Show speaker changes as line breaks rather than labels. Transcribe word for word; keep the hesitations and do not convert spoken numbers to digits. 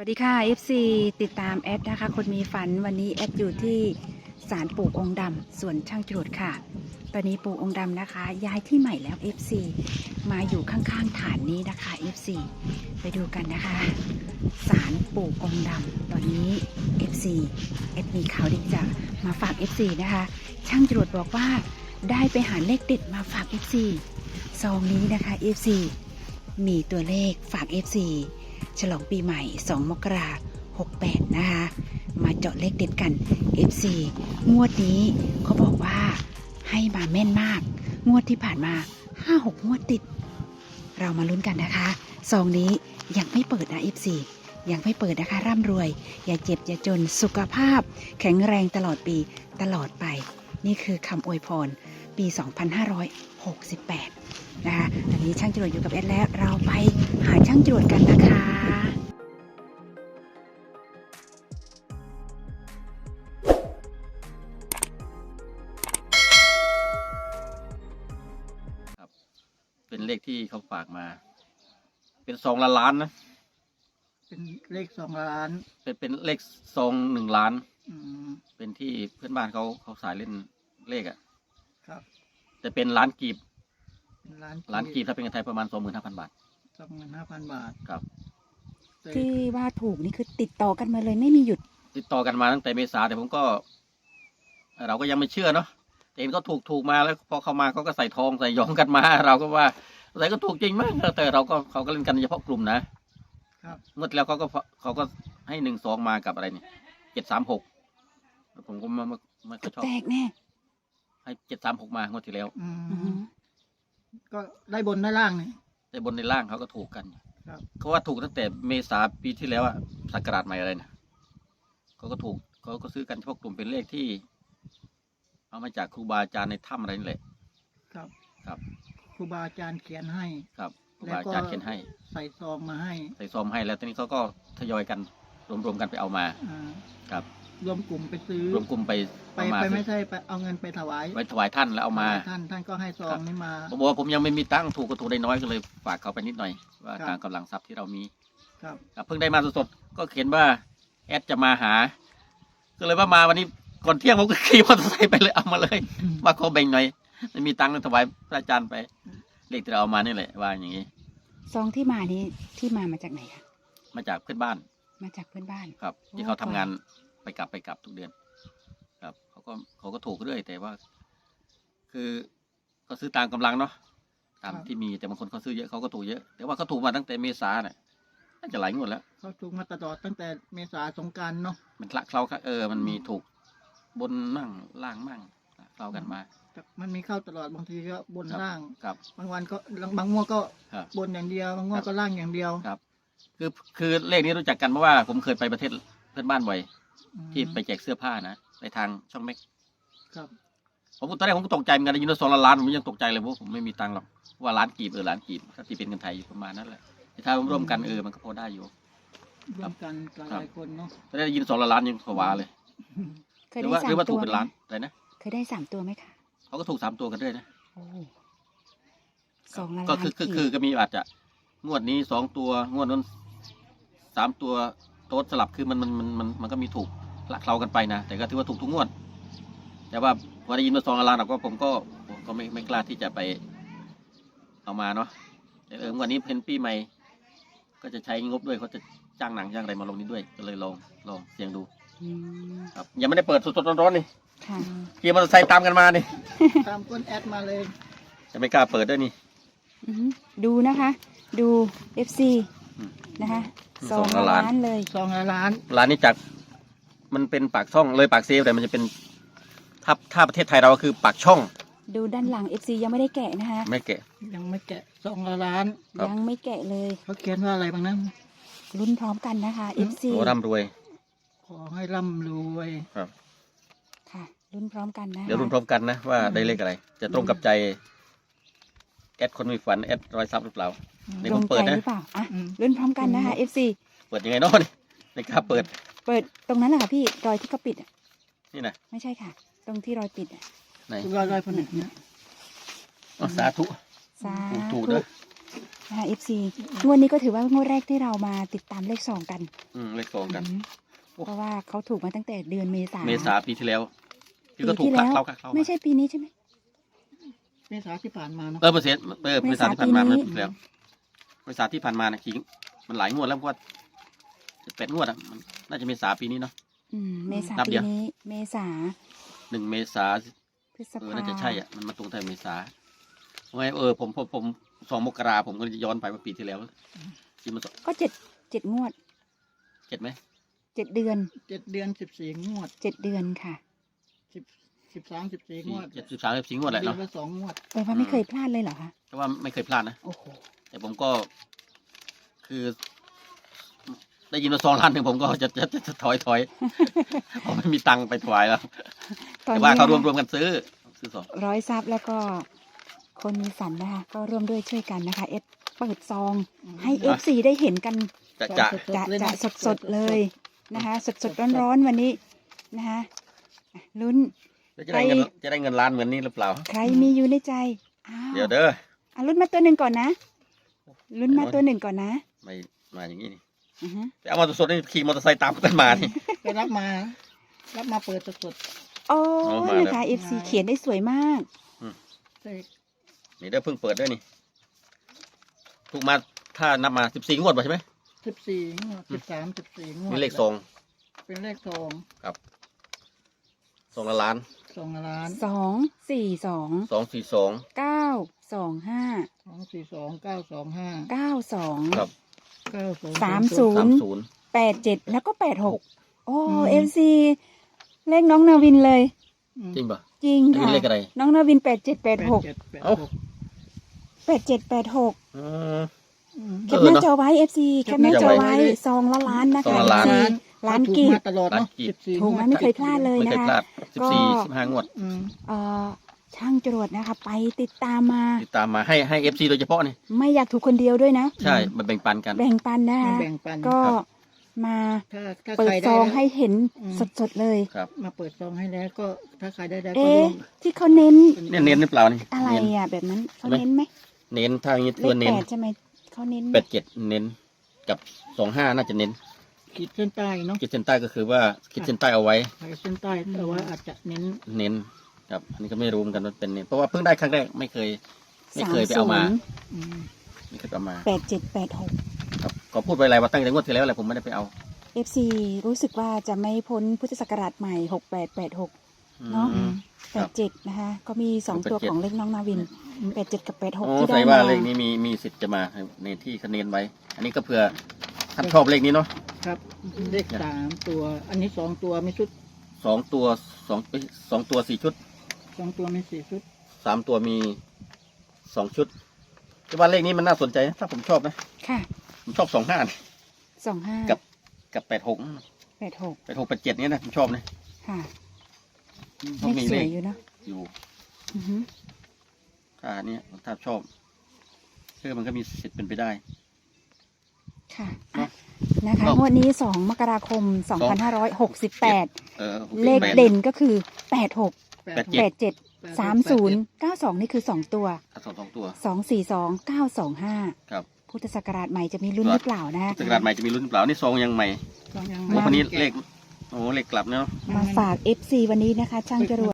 วัสดีค่ะ เอฟ ซี ติดตามแอดนะคะคนมีฝันวันนี้แอดอยู่ที่ศาลปู่องค์ดำส่วนช่างจรวดค่ะตอนนี้ปู่องค์ดำนะคะย้ายที่ใหม่แล้ว เอฟ ซี มาอยู่ข้างๆฐานนี้นะคะ เอฟ ซี ไปดูกันนะคะศาลปู่องค์ดำตอนนี้ เอฟ ซี แอดมีข่าวดีจะมาฝาก เอฟ ซี นะคะช่างจรวดบอกว่าได้ไปหาเลขเด็ดมาฝาก เอฟ ซี ซองนี้นะคะ เอฟ ซี มีตัวเลขฝาก เอฟ ซี ฉลองปีใหม่สองมกราคมหกแปดนะคะมาเจาะเลขเด็ดกัน เอฟ ซี งวดนี้เขาบอกว่าให้มาแม่นมากงวดที่ผ่านมา ห้าหก งวดติดเรามาลุ้นกันนะคะซองนี้ยังไม่เปิดนะ เอฟ ซี ยังไม่เปิดนะคะร่ำรวยอย่าเจ็บอย่าจนสุขภาพแข็งแรงตลอดปีตลอดไปนี่คือคำอวยพรปี สองพันห้าร้อยหกสิบแปด นะคะตอนนี้ช่างจรวดอยู่กับแอดแล้วเราไปหาช่างจรวดกันนะคะ
ครับเป็นเลขที่เขาฝากมา เป็นซองละล้านนะ
เป็นเลขสองล้าน
เป็นเป็นเลขซองหนึ่งล้าน
อืม
เป็นที่เพื่อนบ้านเขาเขาสายเล่นเลขอ่ะ
ครับ
แต่เป็นล้านกีบ
เป็นล้าน
ล้านกีบถ้าเป็นเงินไทยประมาณสองหมื่นห้าพันบาท
สองหมื่นห้าพันบาท
ครับ
แต่
ที่ว่าถูกนี่คือติดต่อกันมาเลยไม่มีหยุด
ติดต่อกันมาตั้งแต่เมษาแต่ผมก็ เราก็ยังไม่เชื่อเนาะแต่เห็นก็ถูกถูกมาแล้วพอเขามาเขาก็ใส่ทองใส่ยองกันมา เราก็ว่าใส่ก็ถูกจริงมากแต่เราก็เขาก็เล่นกันเฉพาะกลุ่มนะครับ เมื่อแล้วเขาก็เขาก็ให้หนึ่งสองมากับอะไรเนี่ยเจ็ดสามหกผมก็ไม่ไม่ไม่ค่อยชอบ
แตกแน่
ให้เจ็ดสามหกมางวดที่แล้ว
อื
อือหื
ม
อ
ก็ได้บนได้ล่างนี่
แต่บนในล่างเขาก็ถูกกัน
ครับ
เขาว่าถูกตั้งแต่เมษาปีที่แล้วอะสักราชใหม่อะไรนะเขาก็ถูกเขาก็ซื้อกันเฉพาะกลุ่มเป็นเลขที่ เอามาจากครูบาอาจารย์ในถ้ำอะไรนี่แหละ
ครับ
ครับ
ครูบาอาจารย์เขียนให้
ครับครู
แล้ว
บา
ก็
อาจารย์เขียนให้
ใส่ซองมาให้
ใส่ซองให้แล้วตอนนี้เขาก็ทยอยกันรวมๆกันไปเอามา
อ่า
ครับ
รวมกลุ่มไปซื้อ
รวมกลุ่มไป
ไป
เอามา
ไปไม่ใช่ไปเอาเงินไปถวาย
ไว้ถวายท่านแล้วเอามา
ท่านท่านก็ให้ซอ
ครั
ง
บ
นี้มา
ผมบอกว่าผมยังไม่มีตังค์ถูกก็ถูกได้น้อยก็เลยฝากเขาไปนิดหน่อย ว่า
ครับ
ตามกำลังทรัพย์ที่เรามี
ครับ
ครับเพิ่งได้มาสดๆก็เขียนว่าแอดจะมาหา ก็เลยว่ามาวันนี้ก่อนเที่ยงผมก็ขี่มอเตอร์ไซค์ไปเลยเอามาเลย มาขอแบ่งหน่อยไม่มีตังค์เลยถวายพระอาจารย์ไปเลขที่เราเอามานี่แหละว่าอย่างนี้
ซองที่มานี้ที่มามาจากไหนคะ
มาจากเพื่อนบ้าน
มาจากเพื่อนบ้าน
ครับ ที่
โอ้
เขาทำงาน
ค่ะ
ไปกลับไปกลับทุกเดือน ครับเขาก็เขาก็ถูกเรื่อยแต่ว่า คือเขาซื้อตามกำลังเนาะตาม
ครับ
ที่มีแต่บางคนเขาซื้อเยอะเขาก็ถูกเยอะแต่ว่าเขาถูกมาตั้งแต่เมษาเนี่ยน่าจะหลายงวดแล้ว
เขาถูกมาตลอดตั้งแต่เมษาสงกรานต์เนาะ
มันคละเคล้าเออ มันมีถูกบนมั่งล่างมั่งคละเคล้ากันมา
แต่มันมีเข้าตลอดบางทีก็บน
ครับ
ล่าง
ครับ
บางวันก็บางงวดก็
ครับ
บนอย่างเดียวบางงว
ค
ด
รับ
ก็ล่างอย่างเดียว
ครับ คือคือเลขนี้รู้จักกันเพราะว่าผมเคยไปประเทศเพื่อนบ้านบ่อย
อืม
ที่ไปแจกเสื้อผ้านะไปทางช่องเม็ก
ครับ
ผมตอนแรกผมก็ตกใจเหมือนกันได้ยินว่าสองล้านล้านผมยังตกใจเลยเพราะผมไม่มีตังค์หรอกว่าล้านกีบเออล้านกีบถ้าตีเป็นเงินไทยอยู่ประมาณนั้นแหละแต่ถ้ารวมๆกันเออมันก็พอได้อยู่
ร่วมกันห
ครับ
ลายๆคนเนาะ
ตอนแรกได้ยินสองล้านยังผวาเลย
เคย
หรือ
ได้
ว่า
สา
หรื
ม
อว่า
ตั
ถู
ว
กเป็น
ไหม
ล้านอะไรนะ
เคยได้สามตัวไหมคะ
เขาก็ถูกสามตัวกันด้วยนะ
โอ้สองล้าน
ก็คือคือคือก็มีอาจจะงวดนี้สองตัวงวดนั้นสามตัวโต๊ดสลับคือมันมันมันมันมันก็มีถูกละเคล้ากันไปนะแต่ก็ถือว่าถูกทุกงวด แต่ว่าพอได้ยินมาสองล้านเราก็ผมก็ผมก็ไม่ไม่กล้าที่จะไปเอามาเนาะแต่เออวันนี้เป็นปีใหม่ ก็จะใช้งบด้วยเขาจะจ้างหนังจ้างอะไรมาลงนี้ด้วยก็เลยลองลองเสี่ยงดู
อืม
ครับยังไม่ได้เปิดสดๆร้อนๆนี่
ค่ะ
ขี่มอเตอร์ไซค์ตามกันมานี่
ตามก้นแอดมาเลย
จะไม่กล้าเปิดด้วยนี่
อือหือดูนะคะ ดู เอฟ ซี
อืม
นะคะ
อืม
สอง
สองล้าน
ล้านเลย
ซองละล้าน
ร้านนี้จากมันเป็นปากช่องเลยปากเซฟแต่มันจะเป็นถ้าถ้าประเทศไทยเราก็คือปากช่อง
ดูด้านหลัง เอฟ ซี ยังไม่ได้แกะนะคะ
ไม่แกะ
ยังไม่แกะซองละล้าน
ครับ
ยังไม่แกะเลย
เขาเขียนว่าอะไรบ้างนะ
ลุ้นพร้อมกันนะคะ เอฟ ซี
โอ้ร่ำรวย
ขอให้ร่ำรวย
ครับ
ค่ะลุ้นพร้อมกันนะคะ
เดี๋ยวรุ่นพร้อมกันนะว่าได้เลขอะไร จะตรงกับใจแอดคนมีฝันแอดรอยซับหรือเปล่า ใน
ต
ผ
ร
ม
ง
เปิ
ใจ
ดนะ
หรือเปล่าอ่ะ
อืม
ลุ้นพร้อมกันนะคะ เอฟ ซี
เปิดยังไงเนาะนี่ในกล้าเปิด
เปิดตรงนั้นแหละค่ะพี่รอยที่เขาปิดอ่ะ
นี่นะ
ไม่ใช่ค่ะ ตรงที่รอยปิดอ่ะ
ไหน
ร้อยร้อยผนึกเนี่ย
อ๋อสาธุ
สา
ถูกถู
ธุ
กเด้อ
นะคะ เอฟ ซี งวดนี้ก็ถือว่างวดแรกที่เรามาติดตามเลขสองกัน
อืมเลขสองกัน
อืมเพราะว่าเขาถูกมาตั้งแต่เดือนเมษา
เมษาปีที่แล้ว
ปี
ที่ก็ถูก
ที่
คลั
แล้
ก
ว
เข้าคลักเข้า
ไม่ใช่ปีนี้ใช่ไหม
เมษาที่ผ่านมาเนาะ
เออเปอร์เซ็นต์เออเมษาที่ผ่านมา
เม
เมื่อ
ษาปีนี้
ปีที่แล้วเมษาที่ผ่านมานะขิงมันหลายงวดแล้วเพราะว่าแปดงวดอ่ะมันน่าจะเมษาปีนี้เนาะ
อืมเมษา
นับ
ปี
เดียว
นี้ เมษา
หนึ่งเมษา
พฤษ
เออ
ภา
น่าจะใช่อ่ะมันมาตรงแต่เมษาเพราะไงเออผมผมผมสองมกราผมก็จะย้อนไปว่าปีที่แล้วที่มัน
ก็เจ็ดเจ็ดงวด
เจ็ดไหม
เจ็ดเดือน
เจ็ดเดือนสิบสี่งวด
เจ็ดเดือนค่ะ
สิบสิบสามสิบสี่งวด
เจ็ดสิบสามสิบสี่งวดแหละ
เดือ
เนาะ
นละสองงวด
แปลว่าไม่เคยพลาดเลยเหรอคะ
แต่ว่าไม่เคยพลาดนะ
โอ้โห
แต่ผมก็คือ ได้ยินมาสองล้านหนึ่งผมก็จะจะจะจะถอยถอย เพราะไม่มีตังค์ไปถวายแล้ว
ตอน
แต่
นี้
ว่าเขารวมรวมกันซื้อซื้อสอง
ร้อยซับแล้วก็คนมีฝันนะคะ ก็ร่วมด้วยช่วยกันนะคะ เอสเปิดซอง ให้ เอฟ ซี ได้เห็นกัน
จะจะ
จะจะสดสดๆเลยนะคะ สดสดร้อนร้อนๆวันนี้นะคะอ่ะลุ้น
จะได้เงินจะได้เงินล้านเหมือนนี้หรือเปล่า
ใครมีอยู่ในใจอ้าว
เดี๋ยวเด้อ
อ่ะลุ้นมาตัวหนึ่งก่อนนะลุ้นมาตัวหนึ่งก่อนนะ
ไม่มาอย่างนี้นี่
อือฮึ
ไปเอามาสดๆนี่ขี่มอเตอร์ไซค์ตามกันมานี่
ไปรับมา รับมาเปิดสด
โอ้
เอามาแล้ว
นะคะ เอฟ ซี เขียนได้สวยมาก
ๆเลข
นี่เด้อเพิ่งเปิดด้วยนี่ถูกมาถ้านับมาสิบสี่งวดป่ะใช่ไหม
สิบสี่งวดสิบสามสิบสี่งวด
มีเลขสอง
เป็นเลขทอง
สองละล้าน
สองล้าน
สองสี่สอง
สองสี่สอง
เก้าสองห้า
สองสี่สองเก้าสองห้า
เก้าสอง
ครับ
เก้าสอง
สามศูน
สาม
ย์
ศูนย์
แปดเจ็ดแล้วก็แปดหกโอ้
อืม
เอฟซีเลขน้องนาวินเลย
จริงป่ะ
จริง
อัน
ค่ะ
นี้เลขอะไร
น้องนาวินแปดเจ็ดแปด
แปด
หก
เจ็ดแปด
เอ้า
หก
แปดเจ็ดแปดหก
อืม
อืม
แคปหน้าจอไว้เอฟซีแคปหน้าจอไว้
แคปหน้าจอไว้เลย
ซองละล้านนะ
ซอ
คะ
งละล้าน
เอฟซีล้าน
ถู
กีบ
มาตลอดเนาะ
ล้านกีบ
สิบสี่
ถูก
งว
มา
ด
ไม่เคยพลาดเลย
ไม่เคยพลาดสิบสี่สิบห้างวด
อืม
เอ่อช่างจรวดนะคะ ไปติดตามมา
ติดตามมาให้ให้เอฟซีโดยเฉพาะนี่
ไม่อยากถูกคนเดียวด้วยนะ
ใช่มาแบ่งปันกัน
แบ่งปันนะ
มา
คะ
แบ่งปัน
ก็
ครับ
มา
ถ้าถ้า
เปิ
ใค
ด
ร
ซ
ได้
อง
แล้ว
ให้เห็น
อืม
สดๆเลย
ครับ
มาเปิดซองให้แล้วก็ถ้าใครได้แล้วก็
เอ๊ะ
ร่วม
ที่เขาเน้น
เนี่ยเน้นหรือเปล่านี่
อะไร
เน้น
อ่ะแบบนั้นเขา
ใช่ไหม
เน้นไหม
เน้นถ้าอย่างนี้
เล
ตัว
ข
เน้
แป
น
ดใช่ไหมเขาเน้นไหม
แปดเจ็ดเน้นกับสองห้าน่าจะเน้น
ขีดเส้นใต้เนาะ
ขีดเส้นใต้ก็คือว่าขีดเส้นใต้เอาไว้
ขีดเส้นใต้แต่ว่าอาจจะเน้น
เน้นครับอันนี้ก็ไม่รู้เหมือนกันว่าเป็นเน้นเพราะว่าเพิ่งได้ครั้งแรกไม่เคย ไม่เคยไปเอามา
อืม
ไม่เคยไปเอามา
แปดเจ็ดแปดหก
ครับก็พูดไปหลายว่าตั้งแต่งวดที่แล้วแหละผมไม่ได้ไปเอา
เอฟซีรู้สึกว่าจะไม่พ้นพุทธศักราชใหม่หกแปดแปดหก เนอะ
อืม
แปดเจ็ดนะคะก็มีสองตัว
แปดเจ็ด
ของเลขน้องนาวินแปดเจ็ดกับแปดหก
โอ้
ที่
ใส่
ได้
ว่า
มา
เลขนี้มีมีสิทธิ์จะมาในที่คะแนนไว้ อันนี้ก็เผื่อท่านชอบเลขนี้เนาะ
ครับเลขสามตัว อันนี้สองตัวมีชุด
สองตัวสองเอ้ยสองตัวสี่ชุด
สองตัวมีสี่ชุด
สามตัวมีสองชุดแต่ว่าเลขนี้มันน่าสนใจนะถ้าผมชอบนะ
ค่ะ
ผมชอบสองห้า
สองห้า
กับ กับแปดหก
แปดหก
แปดหกแปดเจ็ดนี้ยนะผมชอบนะ
ค่ะ
ชอบ
เลข
มี
ส
เล
วย
ข
อยู่เนอะ
อยู่
อือฮึ
ถ้าอันเนี้ยถ้าชอบเชื่อมันก็มีสิทธิ์เป็นไปได้
ค่ะ
เนอะ
นะคะ
เนอะ
งวดนี้สองมกราคมสองพันห้าร้อยหกสิบแปด
เออ
เลขเด่นก็คือแปดหก
แปดเจ็ด
แปดเจ็ดสามศูนย์เก้าสองนี่คือสองตัว
ถ้าสองสองตัว
สองสี่สองเก้าสองห้า
ครับ
พุทธศักราชใหม่จะมีรุ่นหรือเปล่านะ
สกราดใหม่จะมีรุ่นหรือเปล่านี่ซองยังใหม่
สองยัง
โอ้
ไม่
คนนี้
แกะ
เลขโอ้เลขกลับเนาะ
มาฝาก เอฟ ซี วันนี้นะคะ ช่างจรวด